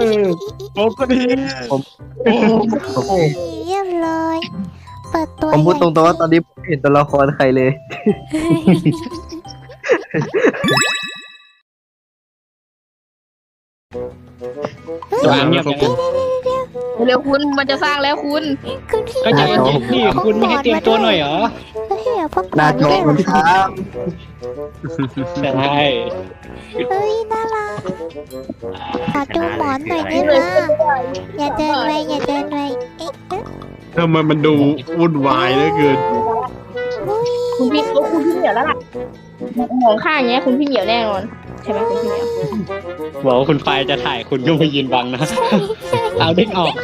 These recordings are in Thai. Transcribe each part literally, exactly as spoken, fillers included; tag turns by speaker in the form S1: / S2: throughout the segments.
S1: ผมก็ดีผมโอ้โห
S2: เรียบร้อยเปิดตัว
S3: ผมพูดตรงๆว่าตอนนี้ผมไม่เห็นตัวละครใครเลย
S1: วางเงียบยังไง
S4: เร็วคุณมันจะสร้างแล้วคุณ
S2: คุณพี่
S1: ก็ใจเย็นๆพี่คุณไม่ให้เตรียมตัวหน่อยเหรอ
S2: ก็ให้เอาพวก
S3: น่าจ
S2: ด้
S3: อ
S2: วย
S3: มันครับ
S1: ใช่
S2: เฮ้ยน่ารักขอดูหมอนหน่อยได้ไหมอย่าเดินไปอย่าเดินไปเอ๊ะเอ๊ะ
S1: ทำไมมันดูวุ่นวายเหลือเกิน
S2: อุ้ย
S4: คุณพี่โอ้คุณพี่เหมียวแล้วล่ะมองข้างอย่างเงี้ยคุณพี่เหมียวแน่นอนใช่ไหมคุณพี่เหมียว
S1: บอกว่าคุณไฟจะถ่ายคุณก็ไปยืนบังนะ เอาเด้งออก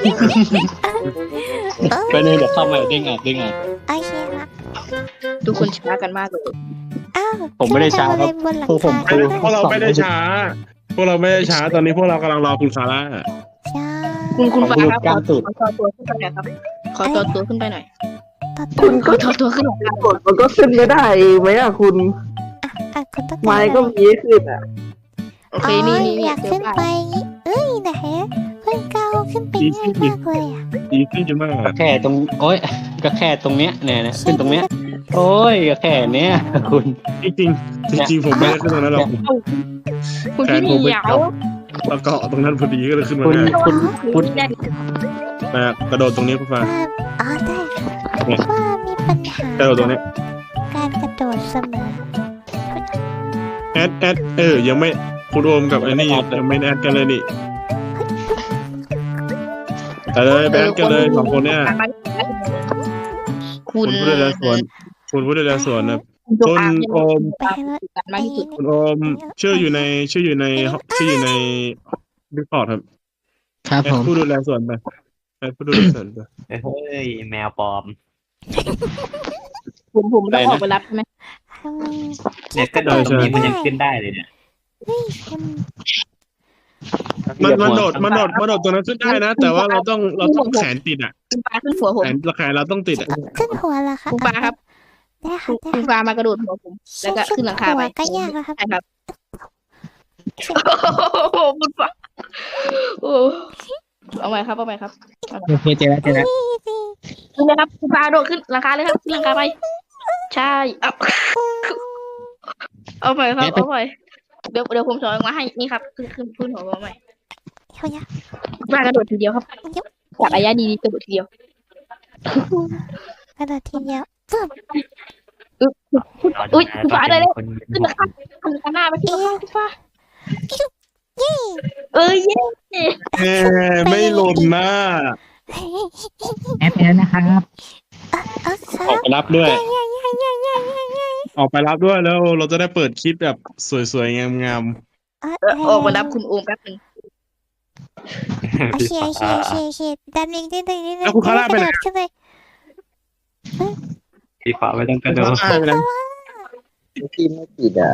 S1: ไปเลยเดี๋ยวเข้ามาเด้งออกเด้งออก
S2: โอเคครับ
S4: ทุกคนช้ากันมากเลย
S2: อ้าว
S1: ผมไม่ได้ช้าครับ
S2: ขึ้นไปทำอะไรบนหลัง
S1: พวกผม
S2: คา
S1: คือ
S5: พวกเราไม่ได้ช้า พวกเราไม่ได้ช้า ตอนนี้พวกเรากำลังรอคุณซาร่า
S2: ใช่
S4: คุณคุณฟ้าครับ
S1: กล้ามสุด
S4: ขอจอตัวขึ้นไปหน่อยครับขอจอตัวขึ้นไปหน่อย
S2: ตัด
S3: คุณ
S4: ข
S3: ก็
S4: อจอตัวขึ้นหน่อยครับ
S3: กดมันก็ขึ้นไม่ได้ไหมอ่ะคุณ
S2: อ่ะคุณต้อง
S3: ไม้
S2: การ
S3: ก็
S2: อะไร
S3: มีให้ขึ้นอ่ะ
S4: โอเคนี่นี่
S2: อ
S4: นี่
S2: ยากขึ้นไปเอ้ยไหนขึ้นก้าวขึ้นไปง่ายมากเลยอ่ะ
S5: ดีขึ้นจะมาก
S1: ก็แค่ตรงโอ้ยก็แค่ตรงเนี้ยเนี่ยนะขึ้นตรงเนี้ยโอ้ยก็แค่เนี้ยคุณ
S5: จริงจริงจริงๆผมไม่ได้ขึ้นตรงนั้นหรอก
S4: คุณพี่เหมียว
S5: เราเกาะตรงนั้นพอดีก็เลยขึ้นมา
S1: คุณ
S5: ได้
S1: คุณคุณ
S4: แน่
S5: มากระโดดตรงนี้คุณฟ้า
S2: ว่าอ๋อได้ค่ะว่ามีปัญหาก
S5: ระโดดตรงนี้
S2: การกระโดดเสมอ
S5: แอดแอดเออยังไม่คุณโอมกับไอ้นี่ยังไม่แอดกันเลยนี่แต่เลยไปแอดกันเลยสองคนเนี่ย
S4: คุ
S5: คุณ ณผู้ดูแลสวนคุณผู้ดูแลสวนนะ
S4: จง
S5: คุณ
S4: อาง
S5: โอม
S2: ไปให้รถ
S4: กันมากที่สุด
S5: คุณโอมชื่ออยู่ในชื่ออยู่ในชื่ออยู่ในดิสคอร์ดครับ
S1: ครับ
S5: แอ
S1: ผ
S5: ด
S1: ม
S5: ผู้ดูแลสวนไปแอดผู้ดูแลสวนไป
S6: เฮ้ยแมวปลอม
S4: ผมผมต้องออกไปรับใช่ไหม
S2: ทำไม
S6: เนี่ยก็โดดตรงนี้มันยังขึ้นได้เลยเนี่ย
S2: เฮ้ยคุณ
S5: มันมันโดดมันโดดมันโดดตรงนั้นขึ้นได้นะ แต่ว่าเราต้องเราต้องแขนติดอ่ะ
S4: คุณฟ้าขึ้นหัวผม
S5: แขนแขนเราต้องติดอ่ะ
S2: ขึ้นหัวเหรอคะ
S4: คุณฟ้าครับ
S2: ได้ค่ะได้
S4: คุณ
S2: ค่ะ
S4: ฟ้ามากระโดดหัวผม แล้วก็ขึ้นหลังคาไป
S2: หัวก็ยากแล้วครับ
S4: ใช่ครับโอ้โหคุณฟ้าโอ้เอาใหม่ครับเอาใหม่ครับ
S1: โอเคเจอแล้วเจอแล้ว
S4: ขึ้นเลยครับคุณฟ้าโดดขึ้นหลังคาเลยครับขึ้นหลังคาไป ใช่เอาเอาใหม่ครับเอาใหม่เดี๋ยวเดี๋ยวผมสอนมาให้นี่ครับขึ้นขึ้นขึ้นหัวมาใหม่
S2: เขาอยาก
S4: คุณฟ้ากระโดดทีเดียวครับจากระยะดีๆกระโดดทีเดียว
S2: กระโดดทีเดียวปึ๊บ
S4: อุ้ยคุณฟ้าได้แล้ว
S6: คน
S4: ขึ้นหลังคาขึ้นหลังคาหน้าไปที่หลังคาคุณฟ้าเอ้ยเย้
S5: เอ้ไม่หล่นนะ
S1: แอปแล้วนะครับ
S2: เอาค
S5: อ
S2: รั
S5: อก
S2: บ
S5: ไปรับด้วย
S2: ย่าย่าย่าย่าย่าย่า
S5: ออกไปรับด้วยแล้วเราจะได้เปิดคลิปแบบสวยๆงาม
S2: เออ
S4: เออออกมารับคุณโอมแป๊บนึง
S2: โอเคโอเคโอเคโอเคดันอีกนิดนึงนิดนึง
S5: แล้วคุณคาร่าไปไหน
S2: กระโดดขึ้นไป
S6: สีฟ้าไม่ต้องกระโดด
S5: ๆไปแล้ว
S3: ที่ไม่ติดอ่ะ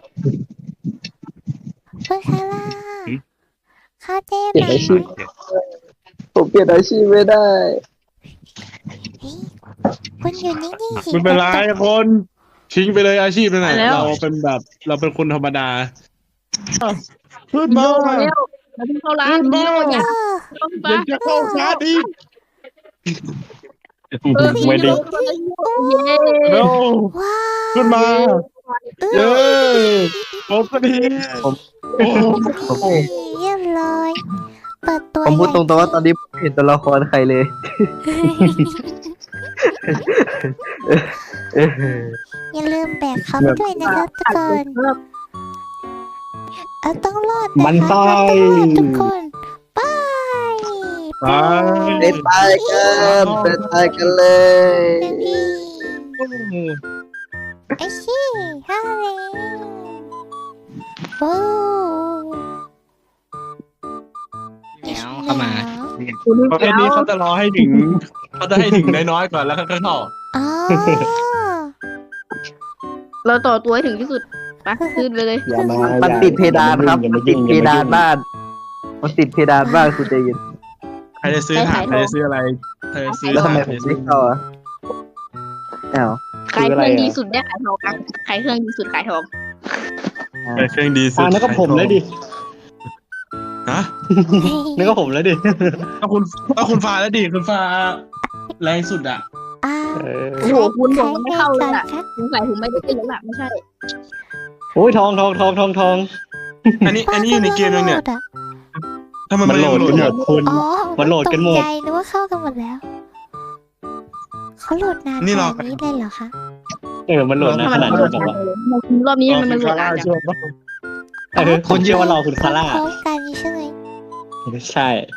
S2: คุณคาร่าเข้าเจ๊
S3: เปลี่ยน
S2: นะ
S3: อาชีพผมเปลี่ยนอาชีพไม่ได้
S2: เฮ้ยคุณอยู่นิ่งๆสิ
S5: ไม่เป็นไรคนทิ้งไปเลยอาชีพนั่นแหละ
S4: ไปแล้ว
S5: เราเป็นแบบเราเป็นคนธรรมดาขึ้นมา
S4: เร็วมาที่เข้าร้านเร็วอย่า
S2: เออ
S4: เข้าคุณ
S5: ยั
S4: ฟ้าง
S5: จะเข้าชาร์จอีก
S4: เออ
S1: ไม่ได้
S4: เย้
S5: เร็ว
S2: ว้าว
S5: ขึ้นมา
S2: เอ
S5: เย้
S2: อ
S5: ผมก็ดีโอ้โห
S2: เรียบร้อยเปิดตัว
S3: ผมพูดตรงๆว่าตอนนี้ผมไม่เห็นตัวละครใครเลย
S2: อย่าลืมแบกเขาไปด้วยนะครับทุกคนเอาต้องรอดะ
S1: มัน
S2: คะ
S1: ไส้
S2: เราต้องรอดทุกคนไป
S5: ไป
S3: ไปตายกันไปตายกันเลย
S2: ไอ้ชี่ฮ่าเลยโอ้
S1: เข้ามา
S4: คุณ
S5: ประเภทนี้เขาจะรอให้ถึงเขาจะให้ถึงน้อยๆก่อนแล้วค่อยๆเข้า
S2: อ๋อ
S4: เราต่อตัวให้ถึงที่สุดไปขึ้นไปเลย
S1: อย่ามา
S3: มันติดเพดานครับ
S1: อย่า
S3: มั
S1: มาน
S3: ติ
S1: ยุ่
S3: ด
S1: ง
S3: เพดานบ้าน มันติดเพดานบ้านคุณใจเย็น
S5: ใครจะซื้อถ่านใครจะซื้ออะไรใครจะซื้อ
S3: แล้วทำ
S5: ถ่าน
S3: ไม
S5: ใค
S3: ผ
S5: ร
S3: ม
S5: จะซื้
S3: ไม่
S5: อ
S3: เข้าอ่ะอ้าว
S4: ขายเครื่องดีสุดได้ขายทองครับขายเครื่องดีสุดขายทอง
S5: ใครเครื่องดีสุด
S1: อ่าแล้วก็ผมเลยดิ
S5: ฮฮะ
S1: นึกว่าผมแล้วดิ
S5: เอาคุณเอาคุณฟ้าแล้วดิคุณฟ้าแรงสุดอ่ะ
S2: อ่า
S1: เออ
S4: โอ้โหคุณผมมันไม่เข้าเลย
S2: ใคร
S4: อ่ะ
S2: ก่อนคะ
S4: สงสัยผมไม่ได้เป็นแล้วล่ะไม่ใช่
S1: โอ้ยทองทองทองทองทอง
S5: อันนี้อันนี้อยู่ในเกมยังเนี่ย
S2: โหลดอะ
S5: ทำไม
S1: มันโหลด
S5: ยัง
S1: กันหมดคุณ
S2: อ๋อ
S1: มันโหลดกันหมด
S2: ตใจนึกว่าเข้ากันหมดแล้วเขาโหลดนานขนาดนี้เลยเหรอคะ
S1: เออมันโหลดนะขนาดนี้แบบว่า
S4: รอบนี้มันมันโหลดนานจัง
S1: เออคนเชื่อว่ารอคุณคาร่า
S2: พร้อมกันใช่ไหม
S1: ใช่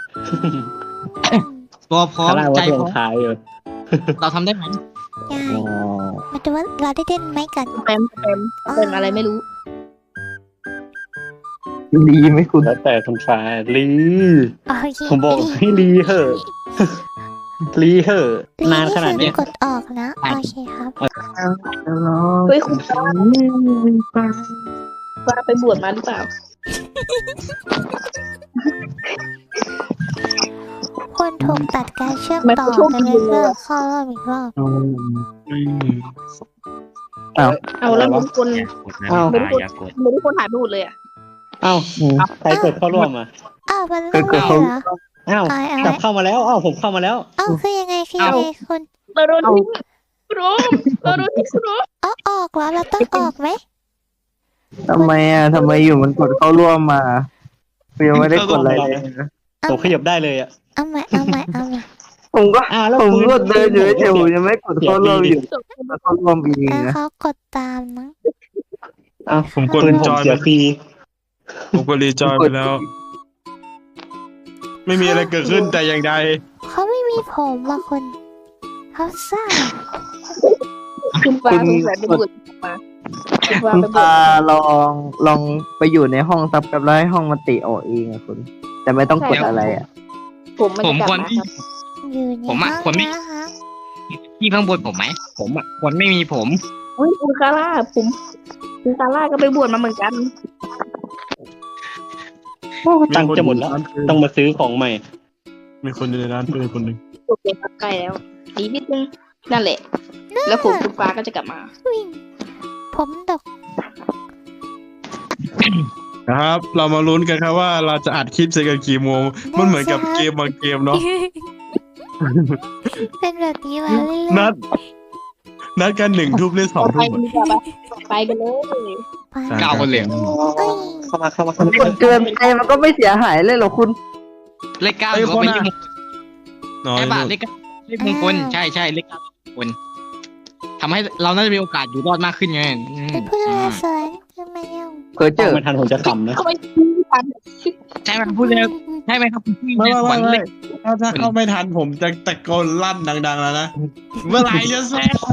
S7: ตัวพร้อ
S1: คาม ร่า
S7: ใจ
S1: ว่าเพล
S7: พ
S1: ง
S7: ร้อม
S1: ท้ายอยู่
S7: เราทำได้ไหม
S2: ง่ายมาดูว่าเราได้เล่นไหมกัน
S4: เต็มเต็มเป็นอะไรไม่รู้
S3: ดีไหมคุณ
S1: แล้วแต่คุณฟ้าลี
S2: โอเค
S1: ผมบอกให้ลีเหอะลีเหอะนานขนาดเนี้ย
S2: กดออกนะโอเคครับ
S4: เฮ้ยคุณฟ้าฟ้าไปบวชมาหรือเปล่า
S2: คนถูกตัดการเชื่อมต่อกันในเรื่องเข้ารอบอีกรอบ
S4: เอาแล้วทุกคน
S6: อย่ากดนะคุณฟ้าอย่ากด
S4: ไม่ได้คนหายไปหมดเลยอ่ะ
S1: เอ้าใครกดเข้าร่วมอ่ะ
S2: อ้าวมันเรื่องอะไรเหรอ
S1: เอ้า
S2: อะไรอะไร
S1: กลับเข้ามาแล้วเอ้าผมเข้ามาแล้ว
S2: อ้าวคือยังไงคือยังไงคุณ
S4: เราโดนทิ้งคุณโรมเราโดนทิ้งคุณโรม
S2: อ๋อออกแล้วเราต้องออกไหม
S3: ทำไมอ่ะทำไมอยู่มันกดเข้าร่วมมายังไม่ได้กดอะไรเลยนะ
S1: ผมขยับได้เลยอ่ะ
S2: เอาใหม่เอาใหม่เอาใหม่
S3: ผมก็
S1: อ้าวแล้ว
S3: ผม
S1: คุณ
S3: ก็เดินอยู่เฉยๆผมยังไม่กดเข้าร่วมอยู่
S4: จบ
S3: เข้าร่วมเอง
S2: แล้ว
S3: นะ
S2: เขากดตามนะ
S1: เอ้า
S5: ผมกด
S1: ปืนผ
S5: จ
S1: ม
S5: อย
S1: เสียฟรี
S5: ผมกดรีจอยไปแล้ว ไม่มีอะไรเกิดขึ้นแต่อย่างใด
S2: เขาไม่มีผมว่ะคุณเขาซ่า
S4: คุณฟ้าสงสัยไปบวชมาคุณฟ้า
S3: คุณ
S4: ไปบว
S3: ตา
S4: ช
S3: ลองลองไปอยู่ในห้องซับกับแล้วให้ห้องมันติออกเองอะคุณ แต่ไม่ต้องกดอะไรอ่ะ
S4: ผมมัน
S7: ผ
S4: จะ
S7: ม
S4: กลับ
S7: ควร
S4: มา
S7: ที่
S4: ครับ
S2: อยู่ใน
S7: ผมอะ
S2: ห้อง
S7: ควรไม่
S2: นะคะ
S7: ที่ข้างบนผมไหมผมอ่ะควรไม่มีผม
S4: อุ้ยคุณคาร่าผมคุณคาร่าก็ไปบวชมาเหมือนกัน
S1: ตังค์จะหมดแล้ว ต้องมาซื้อของใหม่
S5: มีคนอยู่ในร้านปืนคนหนึ่ง
S4: โอเคครับใกล้แล้วอีกนิดนึงนั่นแหละ แล้วผมคุณฟ้าก็จะกลับมา
S2: วิ่งผมดก
S5: นะครับ เรามาลุ้นกันครับว่าเราจะอัดคลิปเสร็จกันกี่โมง มันเหมือนกับเกมบางเกมเนาะ
S2: เป็นแบบนี้มาเรื่อย
S5: นัด นัดกันหนึ่งทุ่มเล่นสอง
S4: ไป
S5: ทุ่ม
S4: กันดีกว่าปะไปกันเลย
S2: ๆไป
S7: เก้าคนเหลือง
S2: เอ้ย
S1: เข้ามาเข้ามาเข้ามา
S3: มันเกินไปมันก็ไม่เสียหายเลยเหรอคุณ
S7: เลขเก้าถือว่าเป็นเลขมงคล
S5: น้อย
S7: ใช่ป่ะเลขเก้าเลขมงคลใช่ใช่เลขเก้าเลขมงคลทำให้เราน่าจะมีโอกาสอยู่รอดมากขึ้นไงอืม
S2: เป็นผู้ดูแลสวนทำไมเอ้า
S3: เพอเจอ
S1: ไม่ทันผมจะขำนะ
S4: เขาไปทัน
S7: ใช่ไหมพูดเลยใช่ไหมครับคุณพี่
S5: ไม่
S7: ใน
S5: ไม่
S7: สวน
S5: ไม่
S7: เล
S5: ไม่
S7: ข
S5: ถ้าถ้าเข้าไม่ทันผมจะตะโกนลั่นดังๆแล้วนะ เมื่อไหร่จะเสร็จ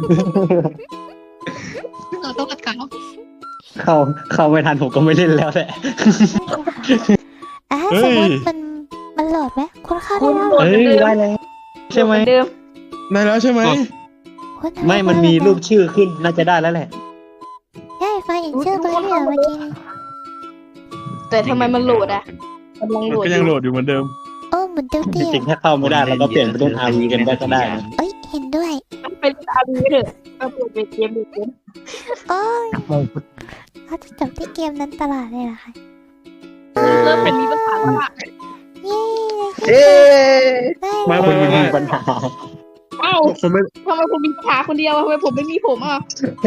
S7: เราต้องกัดเขา
S1: เข้าเข้าไม่ทันผมก็ไม่เล่นแล้วแหละ
S2: อ่ะสมมติมันมันโหลดไหมคุณเข้าได้แล้วเหรอ
S1: เอ้ยได้แล้วใช่ไหม
S4: เดิม
S5: ได้แล้วใช่ไหม
S2: คุณทำ
S1: ไม่มันมีรูปชื่อขึ้นน่าจะได้แล้วแหละ
S2: ใช่ไฟเห็นชื่อตัวนี้เหรอเมื่อกี้นี้
S4: แต่ทำไมมันโหลดอ่ะกำลัง
S5: มัน
S4: โหลด
S5: ก็
S4: อ
S5: ยังโหล
S4: ยู่
S5: ดอยู่เหมือนเดิม
S2: โอ้เหมือนเตี้ยว
S1: จ
S2: เตี้ย
S1: ริงๆถ้าเข้าไม่ได้เราก็เปลี่ยนไปเล่นอาร์วีกันได้ก็ได้นะ
S2: เอ้ยเห็นด้วย
S4: เป็นอาร์บีเถอะก็เปลี่ยนเป็นเกมเกม
S2: โอ้ยเขาจะจบที่เกมนั้นตลอดเลยเหรอคะ
S4: เริ่มเป็นมีปัญหาแล้วอะ
S2: เย้
S3: เอ๊ะ
S2: ได้
S1: ไม่
S2: เล
S1: คุณ
S2: ย
S1: มีปัญหา
S4: เอ้า
S5: คนไม่
S4: ทำไมผมมีปัญหาคนเดียวทำไมผมไม่มีผมอ่ะ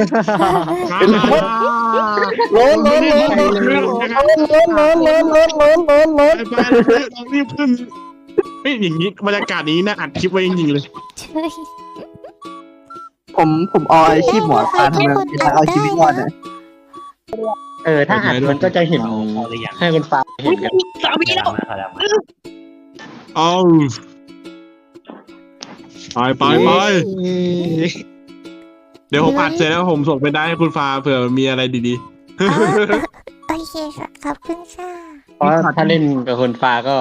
S3: ล้นล้นล้นล้นล้นล้นล้นล้นล้นล้นล้นล้น
S5: ไปไปเรารีบขึ้นเฮ้ยอย่างนี้บรรยากาศนี้น่าอัดคลิปไว้จริงๆเลย
S2: ช่วย
S3: ผมผมเอาอาชีพหมอปลาทำไมไม่ได้เอาชีวิตรอดอ่ะ
S1: เออถ้าอัดมันก็จะเห็น
S6: เอาเข้าหรือยัง
S1: ให้คุณฟ้าเห็นกัน
S4: สามีแล้ว
S6: มาแล้วมา
S5: เอาไปไปไปเดี๋ยวผมอัดเสร็จแล้วผมส่งไปได้ให้คุณฟ้าเผื่อมีอะไรดี
S2: อ๋อโอเคค่ะขอบคุณค่ะ
S1: เพราะถ้าเล่นกับคุณฟ้าก็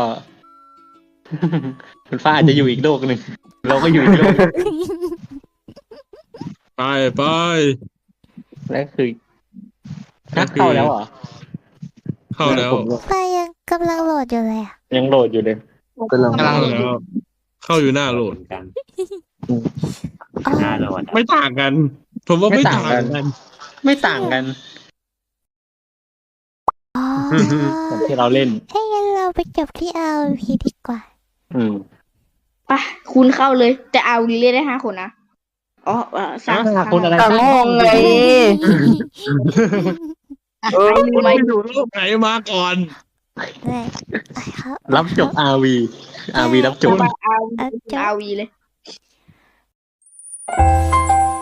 S1: คุณฟ้าอาจจะอยู่อีกโลกหนึ่งเราก็อยู่อีกโลกหนึ่ง
S5: ๆ ไปไป
S1: แล้วคือนักเข้าแล้วเหรอ
S5: เข้าแล้ว
S1: ผม
S2: ไฟยังกำลังโหลดอยู่เลยอ่ะ
S1: ยังโหลดอยู่เลย
S3: กำลัง
S7: กำลัง
S5: เข้าแล้ว เข้าอยู่หน้าโหลด
S6: กัน
S2: อ๋อ
S6: หน้าโหลด
S5: ไม่ต่างกัน ผมว่าไม่ต่างกัน
S1: ไม่ต่างกัน
S2: อ๋อ
S1: เหมือนที่เราเล่น
S2: ให้งั้นเราไปจบที่ อาร์ โอ พี ดีกว่า
S1: อืม
S4: ไปคุณเข้าเลย แต่เอาลีเล่นได้ห้าคนนะอ๋อเออสร้าง
S1: ห้าคนอะไร
S3: ต่างห้องไงเออ
S5: คุณไปดูโลกไหนมาก่อน
S2: ได้ไปครับ
S1: รับจบ อาร์ วี อาร์ วี รับจบ
S4: เอาเอา
S2: เอาจบ
S4: เอาวีเลย